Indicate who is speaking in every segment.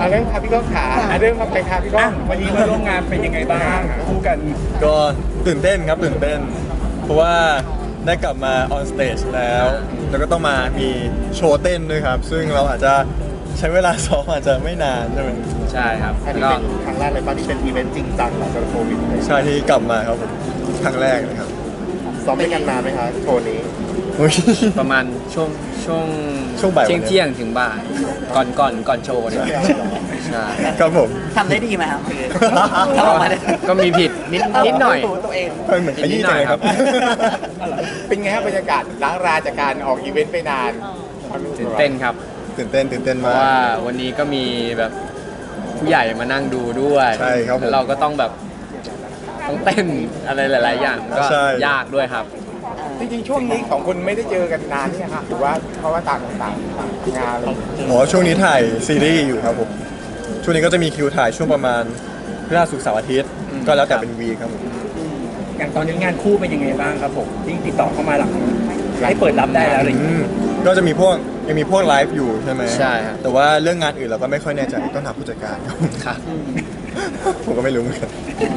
Speaker 1: เริ่มครับพี่ก้องขาเริ่มครับไปครับพี่ก้อง
Speaker 2: วันนี้มาร่วมงานเป็นยังไงบ้างคู่กัน
Speaker 3: ก็ตื่นเต้นครับตื่นเต้นเพราะว่าได้กลับมาออนสเตจแล้วก็ต้องมามีโชว์เต้นด้วยครับซึ่งเราอาจจะใช้เวลาซ้อมอาจจะไม่นานใช่ไหม
Speaker 4: ใช่ครับ
Speaker 1: อันนี้เป็นครั้งแรกเลยป่ะที่เป็นอีเวนต์จริงจังหลังจากโควิดเลย
Speaker 3: ใช่ที่กลับมาครับผมครั้งแรกเลยครับ
Speaker 1: ซ้อมด้วยกันนานไหมคะโชว์นี้
Speaker 4: ประมาณช่วง
Speaker 3: บ่าย
Speaker 4: เที่ยงถึงบ่ายก่อนโชว์เนี่ยใช่
Speaker 3: ครับผม
Speaker 5: ทำได้ดีไหมครับทำออกมาได้
Speaker 4: ก็มีผิดนิดหน่อย
Speaker 5: ตัวเอง
Speaker 3: เหมือนขยี้จังเลยครับ
Speaker 1: เป็นไงครับบรรยากาศล้างราจากการออกอีเวนต์ไปนาน
Speaker 4: ตื่นเต้นครับ
Speaker 3: ตื่นเต้น
Speaker 4: เพ
Speaker 3: มาก
Speaker 4: ราะว่าวันนี้ก็มีแบบผู้ใหญ่มานั่งดูด้วย
Speaker 3: ใช่ครับ
Speaker 4: แล้วเราก็ต้องแบบต้องเต้นอะไรหลายๆอย่างก็ยากด้วยครับ
Speaker 1: จริงๆช่วงนี้ของคุณไม่ได้เจอกันนานเนี่ยค่ะหรือว่าเพราะว่าต่างงานอะไร
Speaker 3: ช่วงนี้ถ่ายซีรีส์อยู่ครับผมช่วงนี้ก็จะมีคิวถ่ายช่วงประมาณพฤหัสศุกร์เสาร์อาทิตย์ก็แล้วแต่เป็นวีครับผม
Speaker 2: อย่างตอนนี้งานคู่เป็นยังไงบ้างครับผมที่ติดต่อเข้ามาหลังให้เปิดรับได้แล้วอะไรอย่างเงี้ย
Speaker 3: ก็จะมียังมีพวกไลฟ์อยู่ใช่ไหม
Speaker 4: ใช่ครับ
Speaker 3: แต่ว่าเรื่องงานอื่นเราก็ไม่ค่อยแน่ใจต้องถามผู้จัดการ
Speaker 4: ครับ
Speaker 3: ผมก็ไม่รู้เหมือนกัน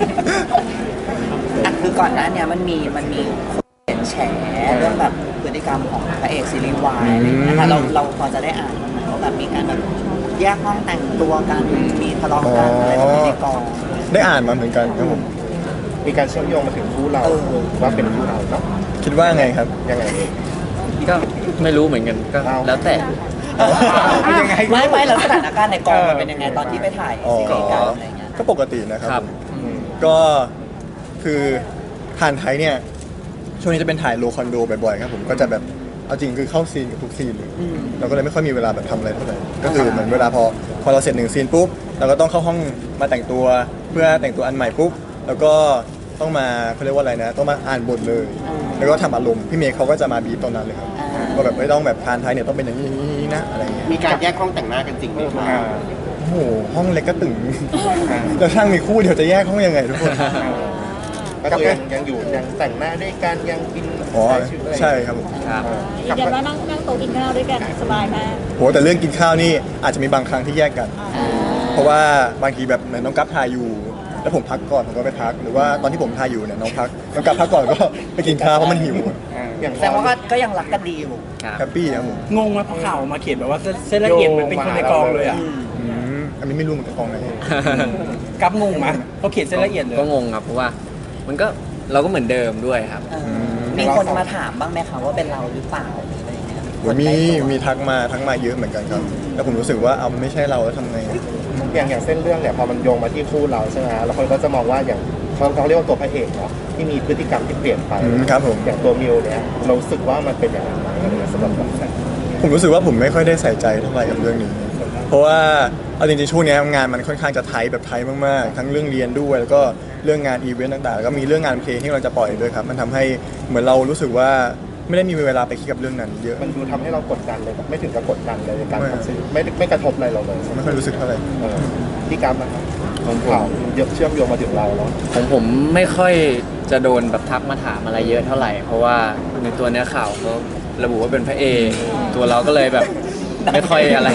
Speaker 5: คือก่อนหน้านี้มันมีแฉเรื่องแบบพฤติกรรมของพระเอกซีรีส์วายอะไรอย่างเงี้ยนะคะเราพอจะได้อ่านมั้ยว่าแบบมีการแบบแยกห้องแต่งตัวกันมีทะเลาะกันอะไรแบบนี้ในกอง
Speaker 3: ได้อ่านมาเหมือนกันครับผม
Speaker 1: มีการเชื่อมโยงมาถึงคู่เราว่าเป็นคู่เราเนาะ
Speaker 3: คิดว่าไงครับ
Speaker 1: ยังไง
Speaker 4: ก็ไม่รู้เหมือนกันก็แล้วแต่
Speaker 1: ยังไง
Speaker 5: ไม่แล้วสถานการณ์ในกองมันเป็นยังไงตอนที่ไปถ่ายซีรีส์กันอะไรเงี้ย
Speaker 3: ก็ปกตินะครับก็คือทานไทยเนี่ยช่วงนี้จะเป็นถ่ายโลคอนโดบ่อยๆครับผมก็จะแบบเอาจริงคือเข้าซีนกับทุกซีนเลยเราก็เลยไม่ค่อยมีเวลาแบบทำอะไรเท่าไหร่ก็คือเหมือนเวลาพอเราเสร็จ1ซีนปุ๊บเราก็ต้องเข้าห้องมาแต่งตัวเพื่อแต่งตัวอันใหม่ปุ๊บแล้วก็ต้องมาเขาเรียกว่าอะไรนะต้องมาอ่านบทเลยแล้วก็ทำอารมณ์พี่เมย์เขาก็จะมาบีบตอนนั้นเลยครับว่าแบบไม่ต้องแบบทานไทยเนี่ยต้องเป็นอย่างนี้นะอะไรเงี้ย
Speaker 1: มีการแยกห้องแต่งหน้ากันจริงไหม
Speaker 3: โอ้โหห้องเล็กก็ตึงแล้วช่างมีคู่เดี๋ยวจะแยกห้องยังไงทุกคน
Speaker 1: ก็คือยังอยู่ยังแต่งหน้าด้วยกันยังกิน
Speaker 3: ใช่ครับผม
Speaker 6: เดี๋ยวมานั่งโต๊ะกินข้าวด้วยกันสบายมาก
Speaker 3: โหแต่เรื่องกินข้าวนี่อาจจะมีบางครั้งที่แยกกันเพราะว่าบางทีแบบเหมือนน้องกั๊บทายอยู่แล้วผมพักก่อนผมก็ไปพักหรือว่าตอนที่ผมทายอยู่เนี่ยน้องกั๊บพักก่อนก็ไปกินข้าวเพราะมันหิว
Speaker 5: อย่างแสดงว่าก็ยังรักกันดีอยู่
Speaker 3: แฮปปี้ครับผม
Speaker 2: งงไหมพอข่าวมาเขียนแบบว่าเส้นละเอียดมันเป็นคนในกองเลยอ่ะ
Speaker 3: อันนี้ไม่รู้เหมือนกับกองไหน
Speaker 2: กับงงไหมเขาเขียนเส้นละเอียดเลย
Speaker 4: ก็งงครับเพราะว่ามันก็เราก็เหมือนเดิมด้วยครับ
Speaker 5: มีคนมาถามบ้างไหมคะว่าเป็นเราหรือเปล่าอะไรอย่างเงี้
Speaker 3: ยมีทักมาเยอะเหมือนกันครับแล้วผมรู้สึกว่ามันไม่ใช่เราแล้วทำไง
Speaker 1: อย่างเส้นเรื่องเนี่ยพอมันโยงมาที่คู่เราใช่ไหมแล้วคนก็จะมองว่าอย่างเขาเรียกว่าตัวพระเอกเนาะที่มีพฤติกรรมที่เปลี่ยนไป
Speaker 3: ครับผม
Speaker 1: อย่างตัวมิวเนี่ยเราสึกว่ามันเป็นอย่างไรสำหรับเรา
Speaker 3: ผมรู้สึกว่าผมไม่ค่อยได้ใส่ใจเท่าไหร่กับเรื่องนี้เพราะว่าเอาจริงๆช่วงนี้งานมันค่อนข้างจะไทยแบบไทยมากๆทั้งเรื่องเรียนด้วยแล้วก็เรื่องงานอีเวนต์ต่างๆแล้วก็มีเรื่องงานเพลงที่เราจะปล่อยด้วยครับมันทำให้เหมือนเรารู้สึกว่าไม่ได้มีเวลาไปคิดกับเรื่องนั้นเยอะ
Speaker 1: มันดูทำให้เรากดดันเลยไม่ถึงกับกดดันเลยในการทำสิ่งไม่กระทบอะไรเราเลย
Speaker 3: ไม่ค่อยรู้สึกเท่าไหร่
Speaker 1: พี่กั๊บนะครับของข่าวเชื่อมโยงมาถึงเราแล้ว
Speaker 4: ของผมไม่ค่อยจะโดนแบบทักมาถามอะไรเยอะเท่าไหร่เพราะว่าในตัวเนื้อข่าวเขาระบุว่าเป็นพระเอกตัวเราก็เลยแบบไม่ค่อยอะไร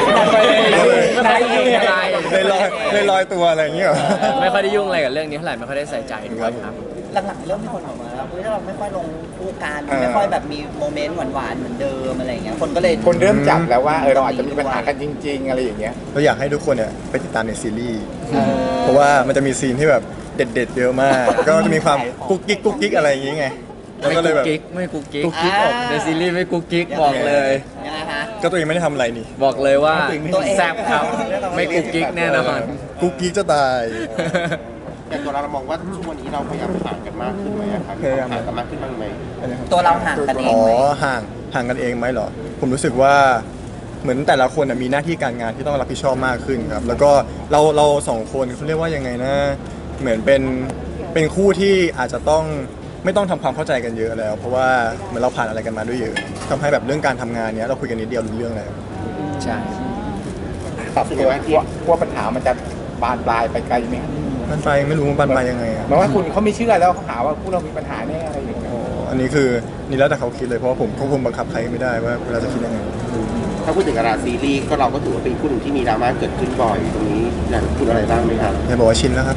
Speaker 3: เลยลอยตัวอะไรอย่างเงี้ย
Speaker 4: ไม่ค่อยได้ยุ่งอะไรกับเรื่องนี้เท่าไหร่ไม่ค่อยได้ใส่ใจด้วยครับ
Speaker 5: หลังๆเริ่มมีคนบอกมาแล้วเราไม่ค่อยลงคู่กันไม่ค่อยแบบมีโมเมนต์หวานๆเหมือนเดิมอะไรอย่างเงี้ยคน
Speaker 1: เริ่มจับแล้วว่าเราอาจจะมีปัญหากันจริงๆอะไรอย่างเงี้ย
Speaker 3: เราอยากให้ทุกคนเนี่ยไปติดตามในซีรีส์เพราะว่ามันจะมีซีนที่แบบเด็ดๆเยอะมากก็จะมีความกุ๊กกิ๊กอะไรอย่างเงี้ย
Speaker 4: ไม่กุ๊กกิ๊กออกในซีรีส์ไม่กุ๊กกิ๊กบอกเลย
Speaker 3: ก็ตัวเองไม่ได้ทำอะไรนี่
Speaker 4: บอกเลยว่าแซ่บครับไม่กุ๊กกิ๊กแน่นอน
Speaker 3: กุ๊กกิ๊กจะตาย
Speaker 1: อย่างตัวเรามองว่าช่วงนี้เราพยายามห่างกันมากขึ้นไหมครับห่างกันมากขึ้นบ้างไหม
Speaker 5: ตัวเราห่างกันเองไหม
Speaker 3: ห่างกันเองไหมเหรอผมรู้สึกว่าเหมือนแต่ละคนมีหน้าที่การงานที่ต้องรับผิดชอบมากขึ้นครับแล้วก็เราสองคนเขาเรียกว่ายังไงนะเหมือนเป็นคู่ที่อาจจะต้องไม่ต้องทำความเข้าใจกันเยอะแล้วเพราะว่าเหมือนเราผ่านอะไรกันมาด้วยเยอะทำให้แบบเรื่องการทำงานเนี้ยเราคุยกันนิดเดียวรู้เรื่องแล้ว
Speaker 4: ใช่
Speaker 1: ปรับตัวกลัวปัญหามันจะบานปลายไปไกลไหม
Speaker 3: มันไปไม่รู้มันบานปลายยังไง
Speaker 1: หมายว่าคุณเขาไม่เชื่อแล้วเขาหาว่าคู่เรามีปัญหาแน่อะไรอย่างเงี้ย
Speaker 3: อันนี้คือนี่แล้วแต่เขาคิดเลยเพราะว่าผมควบคุมบังคับใครไม่ได้ว่าเราจะคิดยังไง
Speaker 7: ถ้าพูดถึงดาราซีรีส์ก็เราก็ถือว่าเป็นคู่หนึ่งที่มีดราม่าเกิดขึ้นบ่อยตรงนี้อยากพูดอะไรบ้างไหมครับ
Speaker 3: อย่าบอกว่าชินแล้วครับ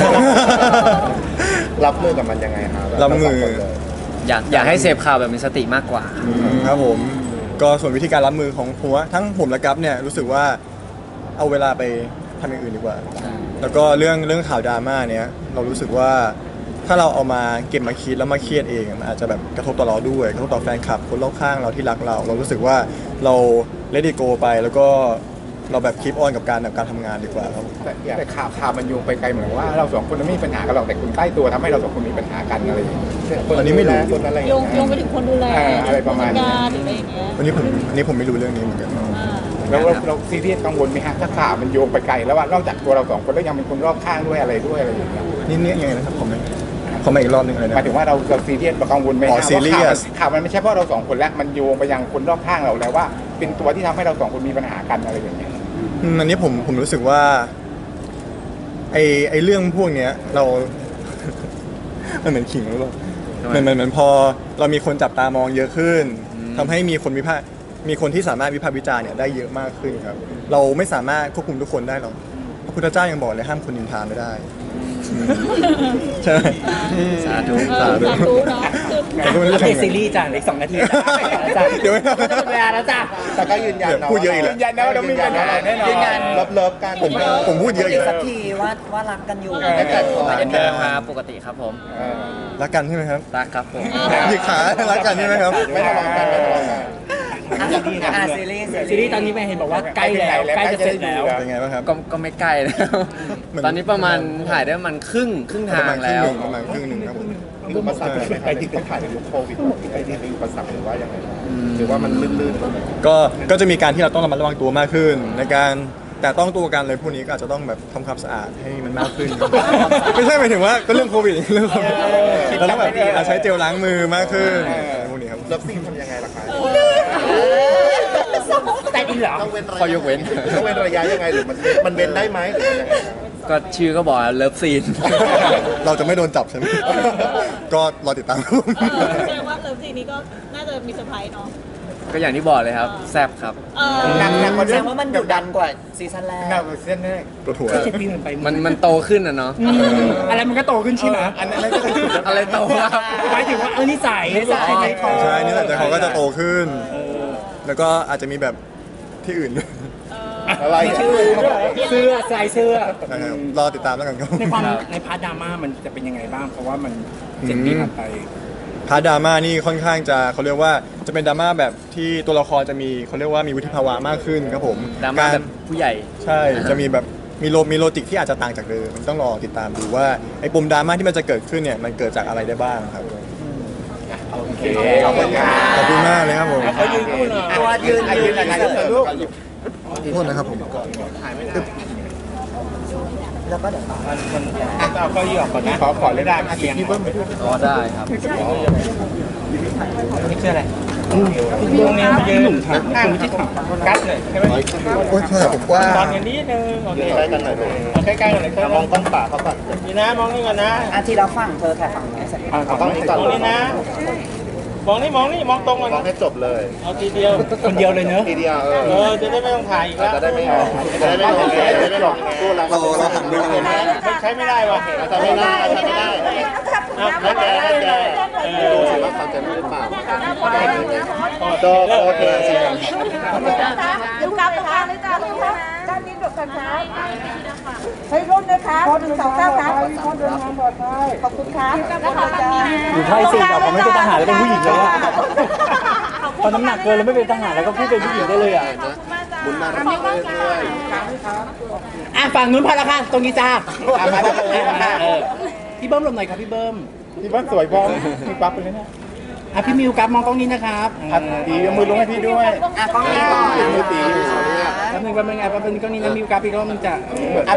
Speaker 1: รับมือกับมันยังไงครับ
Speaker 3: รับมือ
Speaker 4: อยากให้เสพข่าวแบบมีสติมากกว่า
Speaker 3: ครับผมก็ส่วนวิธีการรับมือของผมว่าทั้งผมและกัฟเนี่ยรู้สึกว่าเอาเวลาไปทำอย่างอื่นดีกว่า แล้วก็เรื่องข่าวดราม่าเนี่ยเรารู้สึกว่าถ้าเราเอามาเก็บมาคิดแล้วมาเครียดเองมันอาจจะแบบกระทบต่อเราด้วยกระทบต่อแฟนคลับคนรอบข้างเราที่รักเรารู้สึกว่าเราเลดี้โกไปแล้วก็เราแบบคีปออนกับการทำงานดีกว่าครับ
Speaker 8: แต่ข่าวมันโยงไปไกลเหมือนว่าเราสองคนไม่มีปัญหากันหรอกแต่คนใกล้ตัวทำให้เราสองคนมีปัญหากันอะไรอย่างเงี้ย
Speaker 3: อันนี้ไม่รู้
Speaker 1: คนอะไร
Speaker 6: โยงไปถึงคนดูแล
Speaker 8: อะไรประมาณนี้
Speaker 6: การหรืออะไรอย่างเงี้ย
Speaker 3: อันนี้ผมไม่รู้เรื่องนี้เหมือนกัน
Speaker 8: แล้วเราซีเรียสกังวลไหมฮะถ้าข่าวมันโยงไปไกลแล้วว่านอกจากตัวเราสองคนแล้วยังมีคนรอบข้างด้วยอะไรอย่างเงี้ย
Speaker 3: นี่ยังไงนะครับผมมาอีกรอบนึงอะไร
Speaker 8: ห
Speaker 3: นะ
Speaker 8: มายถึงว่าเราซีเรียสกังวลไหม
Speaker 3: อ๋อ
Speaker 8: ฮะ
Speaker 3: ซีเรียส
Speaker 8: ว่าข่าวมันไม่ใช่เพราะเราสองคนแล้วมันโยงไปยังคนรอบข้างเราแล้วว่าเป็นตัวที่ทำให้เราสองคนมีปัญหากันอะไรอย่างเงี้ย
Speaker 3: อันนี้ผมรู้สึกว่าไอเรื่องพวกเนี้ยเรา มันเหมือนขิงหรือเปล่าเหมือนพอเรามีคนจับตามองเยอะขึ้นทำให้มีคนที่สามารถวิพากษ์วิจารณ์เนี่ยได้เยอะมากขึ้นครับ เราไม่สามารถควบคุมทุกคนได้หรอกพระพุทธเจ้ายังบอกเลยห้ามคนนินทาไม่ได้ ใช่ไหม
Speaker 4: สาธุ
Speaker 3: สาธุ
Speaker 6: เนาะคือ
Speaker 3: แต่ก็ไม่รู้
Speaker 2: อัป
Speaker 3: จะ
Speaker 2: เดต
Speaker 3: ทำไง
Speaker 2: ซีรีส์จ้ะอีก2 นาทีจ้ะ
Speaker 3: เดี๋ยวไม่ท
Speaker 2: จะหมดเวลาแล้วจ้ะ
Speaker 1: แต่ก็ยืนยันนะ
Speaker 3: พูดเยอะอีกแล้ว
Speaker 8: ยืนยันนะว่าเราไม่มีปัญหาแน่นอน
Speaker 5: ยืนยัน
Speaker 1: เลิฟกัน
Speaker 3: ผมพูดเยอะอี
Speaker 5: อี
Speaker 3: ก
Speaker 5: ก
Speaker 3: แล้
Speaker 5: สั
Speaker 3: ว
Speaker 5: กทีว่ารักกันอยู่
Speaker 1: เห
Speaker 4: เหมือนเดิมครับปกติครับผม
Speaker 3: รักกันใช่ไหมครับ
Speaker 4: รักครับผม
Speaker 3: หยิกขารักกันใช่ไหมครับ
Speaker 1: ไม่ทะเลาะกันไม่ทะเลาะกัน
Speaker 5: ซีรีส์
Speaker 2: ซีรีส์ตอนนี้ไปเห็นบอกว่าใกล้แล้วใกล้จะเสร็จแล้ว
Speaker 3: เป็นไงบ้างครับ
Speaker 4: ก็ไม่ใกล้แล้ว
Speaker 3: เหมือน
Speaker 4: ตอนนี้ประมาณถ่ายได้ประมาณครึ่งทางแล้ว
Speaker 3: ประมาณครึ่งหนึ่งครับผม
Speaker 1: มีอุปสรรคไหมครับที่ต้องถ่ายในยุคโควิดไอ้ที่มีอุปสรรคหรือว่ายังไงบ้างหรือว่ามันลื่นๆ
Speaker 3: ก็จะมีการที่เราต้องระมัดระวังตัวมากขึ้น ในการแต่ต้องตัวกันเลยพวกนี้ก็อาจจะต้องแบบทำความสะอาดให้มันมากขึ้น ไม่ใช่หมายถึงว่าก็เรื่องโควิดเรื่องโควิดเราต้องแบบใช้เจลล้างมือมากขึ้นพวกนี้ครับ
Speaker 1: เลิฟซีนทำยังไงล่ะคะ
Speaker 2: แต่อินเหรอ
Speaker 1: ต้องเว้นระ
Speaker 4: ข้อยกเว้น
Speaker 1: ต้องเว้นระยะยังไงหรือมันเว้นได้ไหมหรือยังไง
Speaker 4: ก็ชื่อก็บอกเลิฟซีน
Speaker 3: เราจะไม่โดนจับใช่ไหม ก็รอติดตาม
Speaker 6: แสดงว่าเลิฟซีนนี้ก็น่าจะมีเซอร์ไพรส์เนาะ
Speaker 4: ก็อย่างที่บอกเลยครับแซ่บครับ
Speaker 8: หนักกว่า
Speaker 5: แส
Speaker 8: เดิ
Speaker 5: ด
Speaker 8: ม
Speaker 5: งว่ามันดุดันกว่าซีซั่นแรก
Speaker 8: หนักกว่าเส้นแรก
Speaker 3: ตัวถั่ว
Speaker 2: 7 ปีมันไป
Speaker 4: มันโตขึ้นนะเนาะ
Speaker 2: อะไรมันก็โตขึ้นใช่ไหม
Speaker 8: อันนั้นก็คือ
Speaker 4: อะไรโตครับ
Speaker 2: หมายถึงว่านิสัย
Speaker 5: ใจคอ
Speaker 3: ใช่นี่แหละแต่เขาก็จะโตขึ้น แล้วก็อาจจะมีแบบที่อื่นด้วย
Speaker 1: อะไร
Speaker 2: ชื่อเสื้อใส่เสื้อ
Speaker 3: นะครับรอติดตามแล้วกันครับ
Speaker 2: ในความในพาร์ทดราม่ามันจะเป็นยังไงบ้างเพราะว่ามัน7 ปีผ่านไป
Speaker 3: พาร์ทดราม่านี่ค่อนข้างจะเขาเรียกว่าจะเป็นดราม่าแบบที่ตัวละครจะมีเขาเรียกว่ามีวุฒิภาวะมากขึ้นครับผม
Speaker 4: ดราม่าแบบผู้ใหญ่
Speaker 3: ใช่จะมีแบบมีโลจิกที่อาจจะต่างจากเดิมมันต้องรอติดตามดูว่าไอ้ปมดราม่าที่มันจะเกิดขึ้นเนี่ยมันเกิดจากอะไรได้บ้างครับ
Speaker 8: โอเคขอบคุณครับ
Speaker 3: ขอบคุณมากเลยครับผม
Speaker 2: เขายืนคู่หน่อย
Speaker 5: ตัวยืน
Speaker 8: ถ่ายรูปหน่อยลูก
Speaker 3: โทษนะครับผม
Speaker 5: แล้วก็เดี๋ยวต่อ
Speaker 8: เอาเก้าอี้ออกก่อนนะขอเลยได้เสียงพี่เบิ้มไปด้วย
Speaker 4: อ๋อได้ครับ
Speaker 2: นี่คืออะไรพี่วงนี้มายืนคุณที่ถัง
Speaker 8: กัดเลยใช่ไหม
Speaker 3: โอ้ยโทษครับผมว่า
Speaker 8: ตอนอย่างนี้นึงโอเค
Speaker 1: ใกล้กันหน่อยลูก
Speaker 8: เอาใกล้ๆกันเลยครับ
Speaker 1: มองกล้องป่าเขาก่อน
Speaker 8: นี่นะมองนี่ก่อนนะ
Speaker 5: อาทีละฝั่งเธอแค่ฝั่งนี้เสร็จ
Speaker 1: เอาต้องนี้ก่อน
Speaker 8: มองนี่นะ มองนี่มองตรงก่อน
Speaker 1: มอง
Speaker 8: นะ
Speaker 1: ให้จบเลย
Speaker 8: เอาทีเดียว
Speaker 2: คนเดียวเลยเนอะ
Speaker 1: ทีเดียว
Speaker 8: จะได้ไม่ต้องถ่ายอีกแล้ว
Speaker 1: จะได้ไม่ออกจะได้ไม่หลงจะได้ไม่หลงตู้เราหันดูเลยนะ
Speaker 8: มันใช้ไม่ได้ว่ะ
Speaker 1: จะไม่ได้จะไม่ได้แล้วแกดูสิว่าเขาจะรู้หรือเปล่าโอเค
Speaker 6: ลูกกลับนะคะเลยจ้าลูกครับด้านนี้ดกกันครับเฮ้ยรุ่นนะคะ1 2 9ครับขอบคุณครับนะคะจ้า
Speaker 2: อยู่ไทยสิเราไม่เป็นทหารแล้วเป็นผู้หญิงเลยอะพอน้ำหนักเกินแล้วไม่เป็นทหารแล้วก็พูดเป็นผู้หญิงได้เลยอ่ะ
Speaker 1: บุญมาเรื่อย
Speaker 2: ฝั่งนู้นพอแล้วค่ะตรงนี้จ้า
Speaker 8: มาแล้ว
Speaker 2: พี่เบิ้มหลบหน่อยครับพี่เบิ้ม
Speaker 8: พี่บ้านสวยพร้อมมีปั๊บไปเลยนะ
Speaker 2: พี่มิวครับมองกล้องนี้นะครับ
Speaker 8: ตีมือลงให้พี่ด้วย
Speaker 5: อ่ะกล้องนี้ก่อน
Speaker 8: มือตี
Speaker 2: แป๊บนึงกล้องนี้นะมิวครับพี่ก็มันจะ